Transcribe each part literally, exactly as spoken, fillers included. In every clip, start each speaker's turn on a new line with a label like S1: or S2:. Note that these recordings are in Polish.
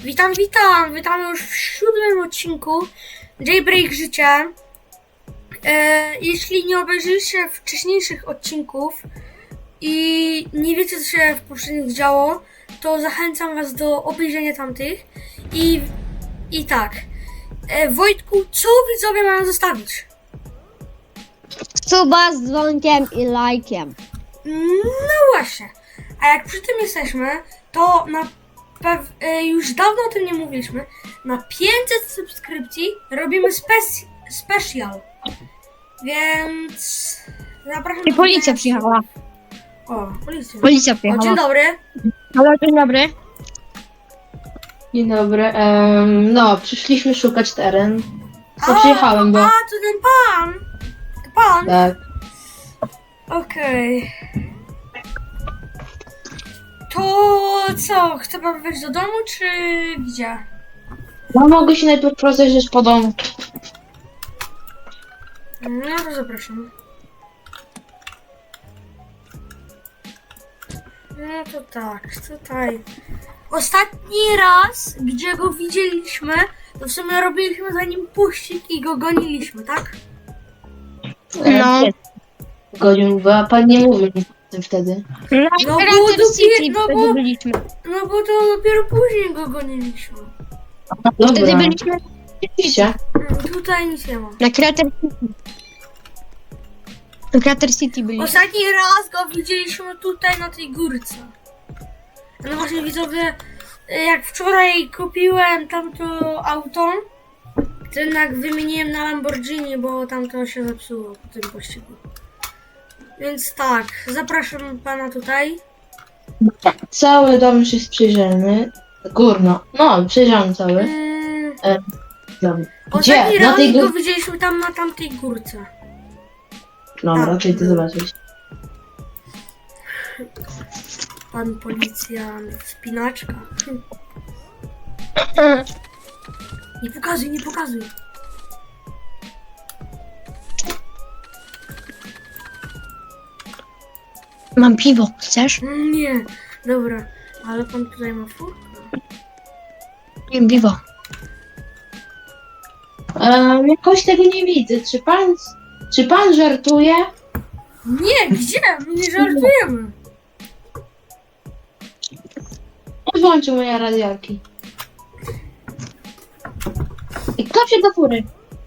S1: Witam, witam! Witamy już w siódmym odcinku Jailbreak Życia. E, jeśli nie obejrzyliście wcześniejszych odcinków i nie wiecie, co się w poprzednich działo, to zachęcam was do obejrzenia tamtych. I, i tak, e, Wojtku, co widzowie mają zostawić?
S2: Suba z dzwonkiem i lajkiem.
S1: No właśnie, a jak przy tym jesteśmy, to na pew- e, już dawno o tym nie mówiliśmy. Na pięćset subskrypcji robimy spec- special. Więc zapraszam.
S2: I
S1: do
S2: policja
S1: oglądania.
S2: przyjechała.
S1: O, policja.
S2: Policja
S1: O,
S2: przyjechała.
S1: dzień dobry.
S2: Halo, dzień dobry.
S3: Dzień dobry. Em, no, przyszliśmy szukać teren. No,
S1: A,
S3: przyjechałem, bo...
S1: A, to ten pan. To pan.
S3: Tak.
S1: Okej. To co, chce pan wejść do domu, czy gdzie?
S3: No, mogę się najpierw rozejrzeć po domu.
S1: No to zapraszam. No to tak, tutaj. Ostatni raz, gdzie go widzieliśmy, to w sumie robiliśmy za nim puścik i go goniliśmy, tak?
S2: No.
S3: Godzin, bo pan nie mówił nic o tym wtedy.
S2: Na
S1: No bo
S2: Crater
S1: dopiero-
S2: City
S1: no
S2: wtedy
S1: bo-
S2: byliśmy.
S1: No bo to dopiero później go goniliśmy.
S2: Wtedy
S3: Dobra.
S2: byliśmy
S3: Oczywiście.
S1: Mm, Tutaj nic nie ma.
S2: na Crater City. Na Crater City byliśmy.
S1: Ostatni raz go widzieliśmy tutaj na tej górce. No właśnie widzowie, jak wczoraj kupiłem tamto auto, to jednak wymieniłem na Lamborghini, bo tamto się zepsuło po tym pościgu. Więc tak, zapraszam pana tutaj.
S3: Cały dom już jest przejrzany. Górno. No, przejrzany cały.
S1: Mm,
S3: Dom.
S1: ostatni
S3: Gdzie? Na
S1: raz
S3: tej
S1: go
S3: górze.
S1: widzieliśmy tam na tamtej górce.
S3: Dobra,
S1: Tak.
S3: czyli ty zobaczysz.
S1: Pan policjant, spinaczka. Nie pokazuj, nie pokazuj.
S2: Mam piwo, chcesz?
S1: Nie, dobra, ale pan tutaj ma furkę.
S2: Piję piwo.
S3: Um, jakoś tego nie widzę. Czy pan... Czy pan żartuje?
S1: Nie, gdzie? My nie żartujemy.
S3: Włączył moje radialki. I kto się do fury?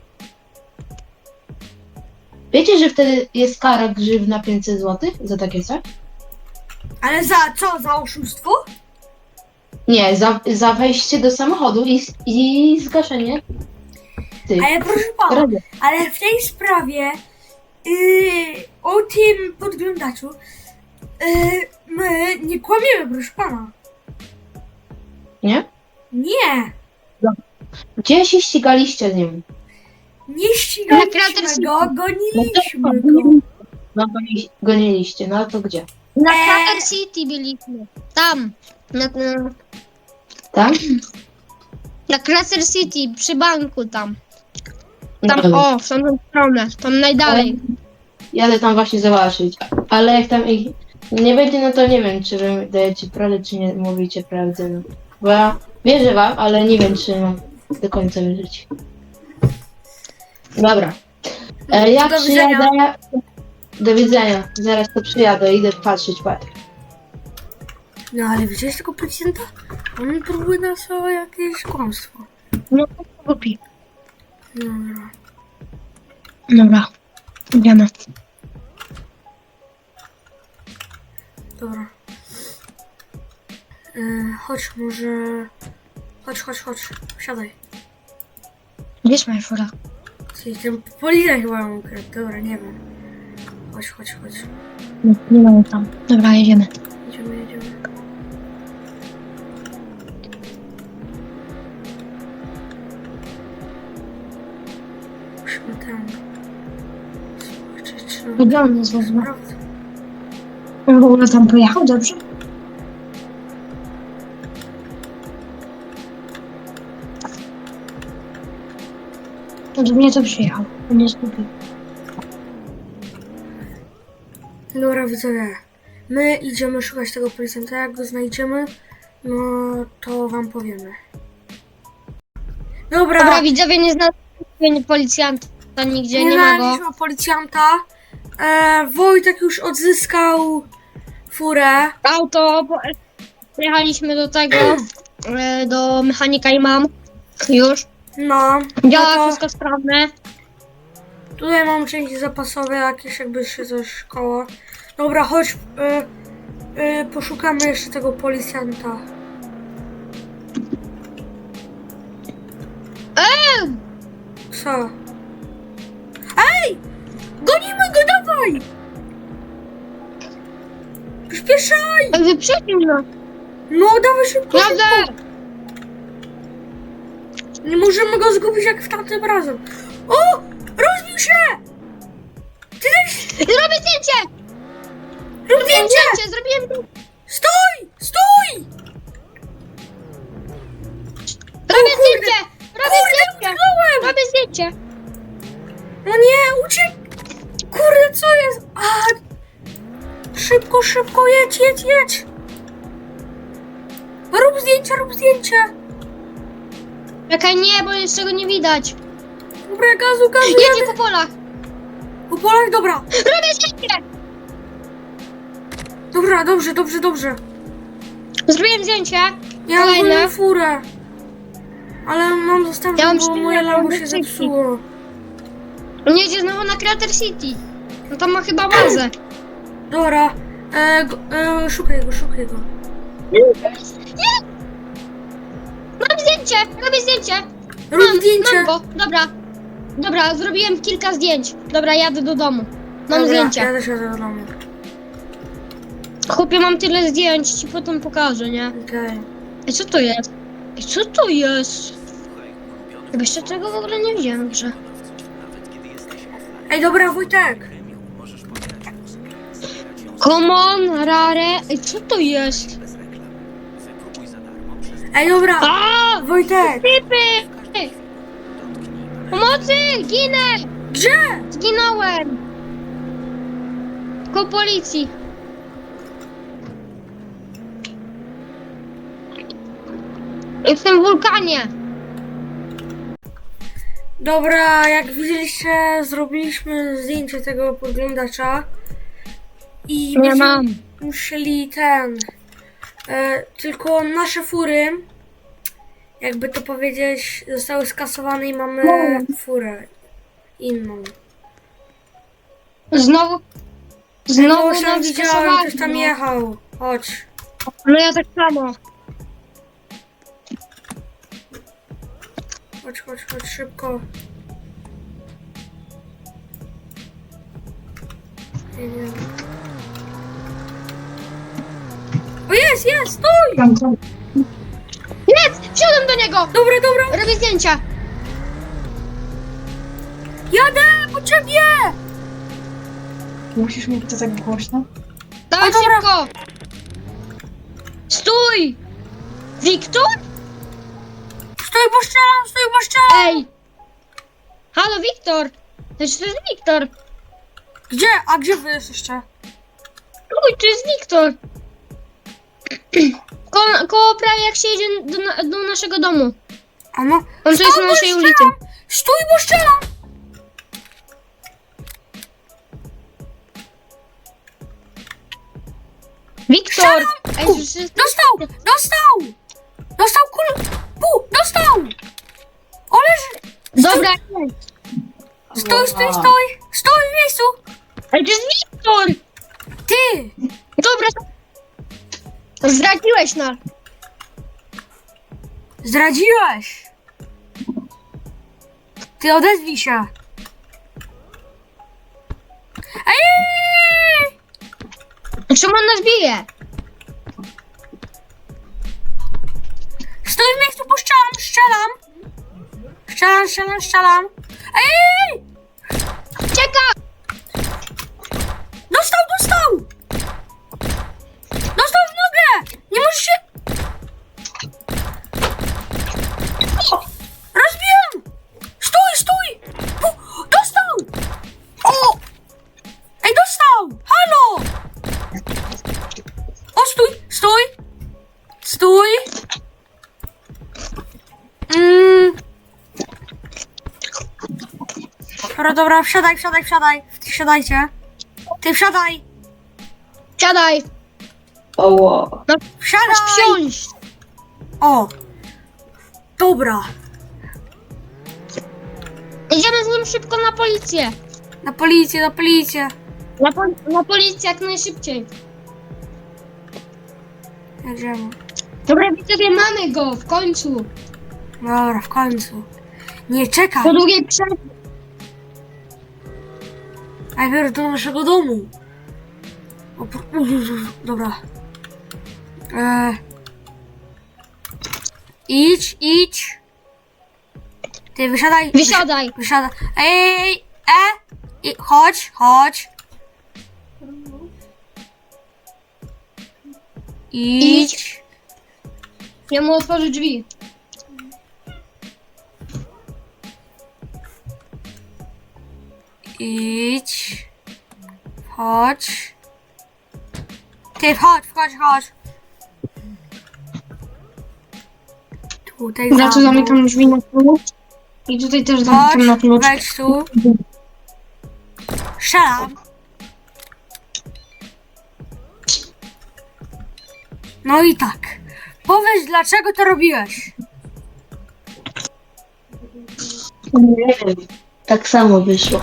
S3: Wiecie, że wtedy jest kara grzywna pięćset złotych za takie coś?
S1: Ale za co? Za oszustwo?
S3: Nie, za, za wejście do samochodu i, i zgaszenie tych
S1: Ale proszę pana,
S3: radio.
S1: ale w tej sprawie yy, o tym podglądaczu yy, my nie kłamiemy, proszę pana.
S3: Nie?
S1: Nie,
S3: Gdzie się ścigaliście z nim?
S1: nie
S2: Na
S1: ścigaliśmy
S2: Crater
S1: go,
S2: City.
S1: goniliśmy go.
S3: No goni- goniliście, no to gdzie?
S2: Na
S1: Eee.
S2: Crater City byliśmy. Tam. Na, na,
S3: Tam?
S2: na Crater City, przy banku tam.
S3: No
S2: Tam,
S3: dobra.
S2: o, w tamtą stronę. Tam najdalej.
S3: Jadę tam właśnie zobaczyć. Ale jak tam ich nie będzie, no to nie wiem, czy wy dajecie prawdę, czy nie mówicie prawdę. No. Bo ja wierzę wam, ale nie wiem, czy mam do końca wierzyć. Dobra. E, ja
S1: Do widzenia.
S3: przyjadę. Do widzenia. Zaraz to przyjadę, idę patrzeć, patrz.
S1: No ale widziałeś tego policjanta? On próbuje nas o jakieś kłamstwo.
S2: No, głupi.
S1: Dobra.
S2: Dobra. Idziemy.
S1: Dobra. E, chodź, może... Chodź, chodź, chodź. Siadaj.
S2: Gdzie jest moja fura?
S1: Czyli ten policjant chyba ją ukradł. Dobra, nie wiem. Chodź, chodź, chodź.
S2: Nie, nie mamy tam. Dobra, jedziemy.
S1: Jedziemy, jedziemy. Musimy tam... Zobaczyć, czy...
S2: Gdzie on jest w ogóle?
S1: Sprawdzę.
S2: On w ogóle tam pojechał, dobrze? To do mnie to przyjechał. On jest głupi.
S1: Dobra, widzowie. My idziemy szukać tego policjanta. Jak go znajdziemy, no to wam powiemy. Dobra,
S2: Dobra, widzowie, nie znaleźliśmy policjanta nigdzie, nie,
S1: nie
S2: ma go.
S1: znaleźliśmy policjanta. E, Wojtek już odzyskał furę.
S2: Auto, po- pojechaliśmy do tego, e, do mechanika i mam. Już.
S1: No,
S2: Działa,
S1: no to
S2: wszystko sprawne.
S1: tutaj mam części zapasowe, jakieś jakby się coś koło. Dobra, chodź, y, y, poszukamy jeszcze tego policjanta.
S2: Eee!
S1: Co? Ej! Gonimy go, dawaj! Przyspieszaj!
S2: Wyprzedził nas.
S1: No, dawaj szybko, szybko!
S2: Jadę!
S1: Nie możemy go zgubić jak w tamtym razem. O! Rozbił się! Ty też!
S2: Zrobię zdjęcie!
S1: Rób zdjęcie!
S2: Zdjęcie, zrobiłem zdjęcie!
S1: Stój! Stój!
S2: Robię
S1: kurde.
S2: zdjęcie! Robię zdjęcie!
S1: Utknąłem!
S2: Robię zdjęcie!
S1: No nie, uciek! Kurde, co jest? A! Szybko, szybko, jedź, jedź, jedź! Rób zdjęcie, rób zdjęcie!
S2: Czekaj, nie, bo jeszcze go nie widać.
S1: Dobra, gazu, gazu,
S2: Jedzie
S1: jadę!
S2: po polach!
S1: Po polach, dobra!
S2: Robię zdjęcie!
S1: Dobra, dobrze, dobrze, dobrze.
S2: Zrobiłem zdjęcie.
S1: Ja mam
S2: Kolejne.
S1: moją furę. Ale mam zostawić,
S2: Ja mam
S1: bo
S2: cztery,
S1: moje
S2: ja mam
S1: Lambo się
S2: decyzji.
S1: zepsuło.
S2: On jedzie znowu na Creator City. No tam ma chyba bazę.
S1: Dobra, e, go, e, szukaj go, szukaj go.
S2: Nie! Mam zdjęcie! Robię zdjęcie!
S1: Rób
S2: Mam,
S1: zdjęcie!
S2: mam go, dobra. Dobra, zrobiłem kilka zdjęć. Dobra, jadę do domu. Mam
S1: Dobra,
S2: zdjęcie.
S1: ja też jadę do domu.
S2: Chłopie, mam tyle zdjęć, ci potem pokażę, nie?
S1: Okej.
S2: Ej, co to jest? Ej, co to jest? Chyba jeszcze tego w ogóle nie widziałem w grze.
S1: Ej, dobra, Wojtek!
S2: Common, rare. Ej, co to jest?
S1: Ej, dobra!
S2: A!
S1: Wojtek!
S2: Typy! Pomocy! Ginę!
S1: Gdzie?
S2: Zginąłem! Koło policji. Jestem w wulkanie.
S1: Dobra, jak widzieliście, zrobiliśmy zdjęcie tego podglądacza. I
S2: Nie
S1: będziemy
S2: mam.
S1: musieli ten... E, tylko nasze fury, jakby to powiedzieć, zostały skasowane i mamy furę inną.
S2: Znowu.
S1: Znowu
S2: Znowu
S1: tam
S2: nam
S1: widziałem,
S2: skasowali,
S1: ktoś tam
S2: no.
S1: jechał. Chodź.
S2: No ja tak samo.
S1: Chodź, chodź, chodź, szybko. Jedziemy. O, jest, jest, stój!
S2: Jest! Wsiadłem do niego!
S1: Dobra, dobra,
S2: Robię zdjęcia.
S1: jadę po ciebie!
S4: Musisz mieć to tak głośno?
S2: Dawaj
S1: O, dobra.
S2: szybko! Stój! Wiktor?
S1: Stój, bo strzelam, stój, bo strzelam!
S2: Ej! Halo, Wiktor! Znaczy, to jest Wiktor!
S1: Gdzie? A gdzie wy jesteście?
S2: Uj, to jest Wiktor! Ko koło prawie jak się jedzie do, na do naszego domu.
S1: A no,
S2: On to jest
S1: Stój,
S2: na
S1: bo
S2: naszej
S1: strzelam!
S2: ulicy.
S1: Stój, bo strzelam!
S2: Wiktor!
S1: Strzelam!
S2: Ej, to jest...
S1: Dostał! Dostał! Dostał kul... Pu! Dostał! O, leży!
S2: Dobra,
S1: Stój, stój, stój! Stój w miejscu!
S2: Ej, to jest Wiktor!
S1: Ty!
S2: Dobra. Zdradziłeś nas.
S1: Zdradziłeś! Ty odezwij się! Ej!
S2: Czemu on nas bije?
S1: Stój w miejscu, bo strzelam, strzelam! Strzelam, strzelam, strzelam! Ej!
S2: Czeka!
S1: Dostał, dostał! Dostał w nogę! Nie możesz się... O! Rozbiłem! Stój, stój! Pu! Dostał! O! Ej, dostał! Halo! O, stój, stój! Stój! Mm, Dobra, dobra, wsiadaj, wsiadaj, wsiadaj. Wsiadajcie. Ty wsiadaj!
S2: Siadaj!
S3: Oło.
S2: No,
S1: Wsiadaj!
S2: masz wsiąść!
S1: O! Dobra.
S2: Idziemy z nim szybko na policję.
S1: Na policję, na policję.
S2: Na, pol- na policję jak najszybciej.
S1: Jedziemy.
S2: Dobra, widzowie, mamy go w końcu.
S1: Dobra, w końcu. Nie, czekaj.
S2: Po długiej przerwie.
S1: Najpierw do naszego domu. O, po- dobra. E... Idź, idź. Ty wysiadaj.
S2: Wysiadaj.
S1: Wysiadaj. Ej, ej, e! I, chodź, chodź. Idź.
S2: Idź. Ja mu otworzę drzwi.
S1: Idź. Chodź. Ty wchodź, wchodź, chodź. Tutaj
S2: Za co
S1: za mną.
S2: zamykam drzwi na klucz. I tutaj też zamykam na
S1: Chodź,
S2: klucz.
S1: wejdź tu. Strzelam. No i tak. Powiedz, dlaczego to robiłeś?
S3: Nie wiem. Tak samo wyszło.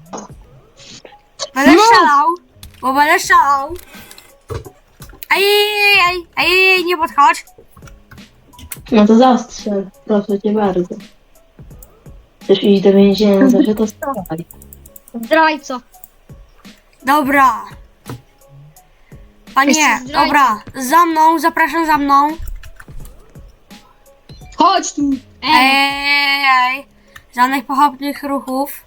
S1: Będę
S2: No.
S1: strzelał, bo będę strzelał. Ej, ej, ej, ej, ej, nie podchodź.
S3: No to zastrzel. Proszę cię bardzo. Chcesz iść do więzienia, zawsze to strzelaj.
S2: Zdrajco.
S1: Dobra. Panie,
S2: Jesteś zdrajcą.
S1: dobra, za mną, zapraszam za mną.
S2: Chodź tu.
S1: Ej,
S2: Ej.
S1: ej, ej. Żadnych pochopnych ruchów.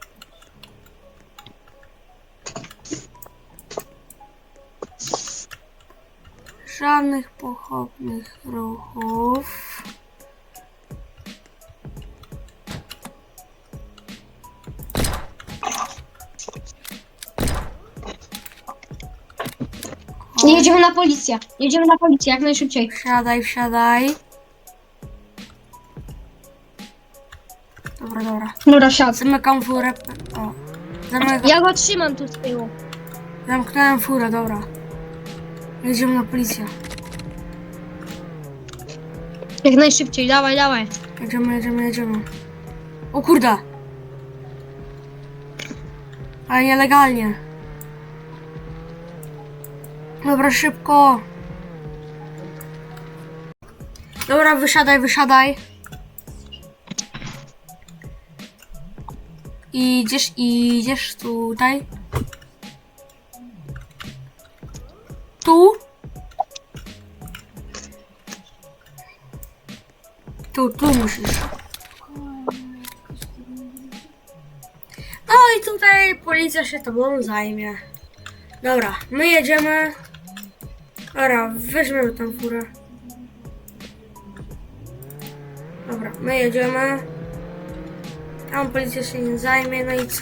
S1: Żadnych pochopnych ruchów.
S2: Jedziemy na policję. Jedziemy na policję jak najszybciej.
S1: Wsiadaj, wsiadaj. Dobra, dobra.
S2: Dobra, siad.
S1: Zamykam furę. O. Zamykam.
S2: Ja go trzymam tu z tyłu.
S1: Zamknąłem furę, dobra. Jedziemy na policję.
S2: Jak najszybciej, dawaj, dawaj.
S1: Jedziemy, jedziemy, jedziemy. O kurde. Ale nielegalnie. Dobra, szybko. Dobra, wysiadaj, wysiadaj. Idziesz, idziesz tutaj. Tu. Tu, tu musisz. No i tutaj policja się tobą zajmie. Dobra, my jedziemy. Dobra, weźmiemy tą furę. Dobra, my jedziemy. Tam policja się nie zajmie, no i co?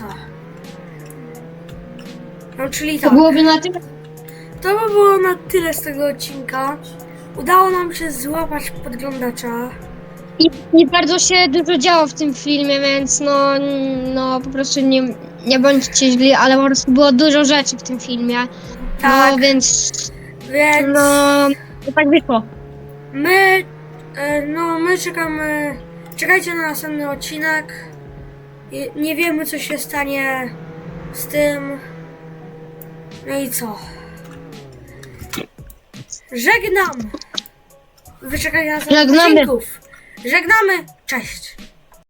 S1: No czyli
S2: To
S1: tak.
S2: byłoby na tyle.
S1: To by było na tyle z tego odcinka. Udało nam się złapać podglądacza.
S2: I, I bardzo się dużo działo w tym filmie, więc no, no po prostu nie, nie bądźcie źli, ale po prostu było dużo rzeczy w tym filmie.
S1: Tak,
S2: No więc
S1: więc
S2: no to tak wyszło.
S1: my, e, no my czekamy, czekajcie na następny odcinek. I nie wiemy, co się stanie z tym. No i co? Żegnam! Wyczekajcie na następnych
S2: Żegnamy.
S1: odcinków. Żegnamy! Cześć!